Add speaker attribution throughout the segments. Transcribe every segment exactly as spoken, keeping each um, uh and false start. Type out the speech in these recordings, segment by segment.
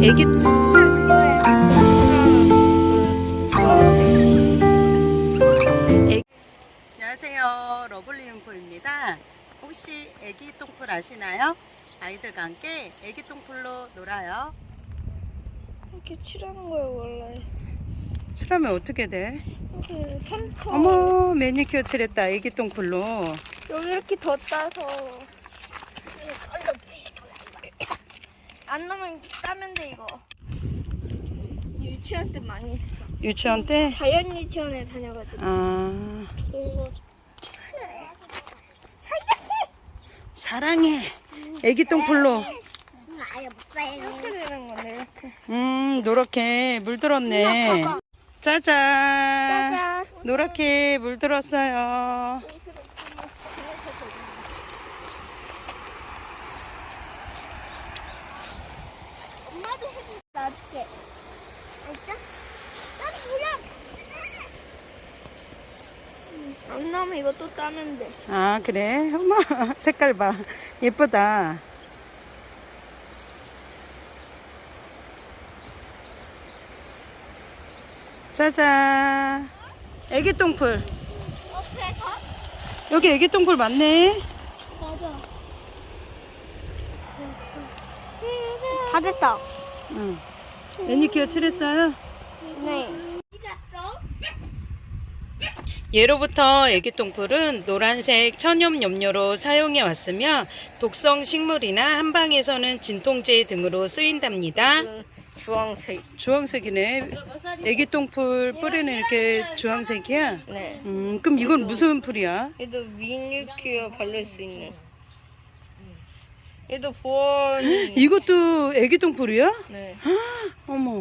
Speaker 1: 애기 애... 안녕하세요, 러블리 융포입니다. 혹시 애기 똥풀 아시나요? 아이들과 함께 애기 똥풀로 놀아요.
Speaker 2: 이렇게 칠하는 거예요 원래.
Speaker 1: 칠하면 어떻게 돼?
Speaker 2: 이렇게 펜터.
Speaker 1: 어머, 매니큐어 칠했다. 애기 똥풀로.
Speaker 2: 여기 이렇게 더 따서 안 나면 따면 돼 이거. 유치원 때 많이 했어.
Speaker 1: 유치원 때?
Speaker 2: 자연 유치원에 다녀가지고.
Speaker 1: 아,
Speaker 2: 좋은 거.
Speaker 1: 사랑해. 애기 똥풀로.
Speaker 2: 이렇게 되는 거네 이렇게.
Speaker 1: 음, 노랗게 물들었네. 짜잔.
Speaker 2: 짜잔.
Speaker 1: 노랗게 물들었어요.
Speaker 2: 엄마도 해줄 놔줄게. 알죠? 난 뭐야? 안 나오면 이거 또 따면 돼.
Speaker 1: 아, 그래? 어머, 색깔 봐. 예쁘다. 짜잔. 애기 똥풀.
Speaker 2: 옆에서?
Speaker 1: 여기 애기 똥풀 많네.
Speaker 2: 맞아. 다 됐다.
Speaker 1: 응. 매니큐어 칠했어요?
Speaker 2: 네.
Speaker 1: 예로부터 애기 똥풀은 노란색 천연 염료로 사용해 왔으며 독성 식물이나 한방에서는 진통제 등으로 쓰인답니다.
Speaker 2: 주황색.
Speaker 1: 주황색이네. 애기 똥풀 뿌리는 이렇게 주황색이야?
Speaker 2: 네.
Speaker 1: 음, 그럼 이건 무슨 풀이야?
Speaker 2: 얘도 미니큐어 바를 수 있는. 얘도 보온이.
Speaker 1: 이것도 애기 똥풀이야?
Speaker 2: 네.
Speaker 1: 어머.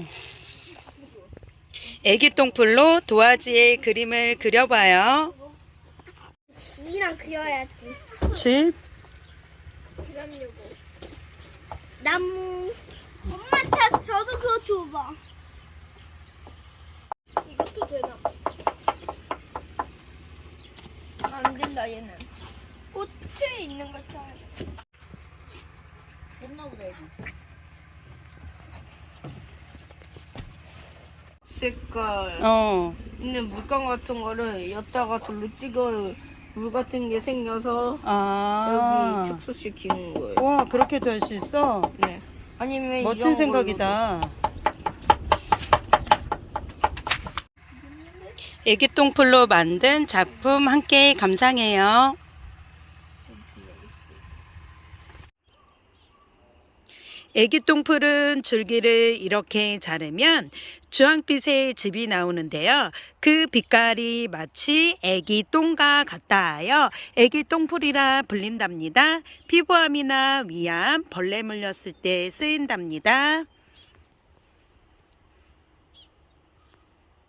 Speaker 1: 애기 똥풀로 도화지에 그림을 그려봐요.
Speaker 2: 집이랑 그려야지.
Speaker 1: 집?
Speaker 2: 그려려고. 나무. 엄마 차 저도 그거 줘봐. 이것도 되나? 안 된다 얘는. 꽃에 있는 걸 써야 돼. 됐나보다 여기. 색깔
Speaker 1: 어.
Speaker 2: 있는 물감 같은 거를 엿다가 돌로 찍어 물 같은 게 생겨서
Speaker 1: 아.
Speaker 2: 여기 축소시키는 거예요.
Speaker 1: 와, 그렇게도 할 수 있어?
Speaker 2: 네. 아니면
Speaker 1: 멋진
Speaker 2: 이런
Speaker 1: 생각이다. 애기 똥풀로 만든 작품 함께 감상해요. 애기 똥풀은 줄기를 이렇게 자르면 주황빛의 즙이 나오는데요. 그 빛깔이 마치 애기 똥과 같다 하여 애기 똥풀이라 불린답니다. 피부암이나 위암, 벌레 물렸을 때 쓰인답니다.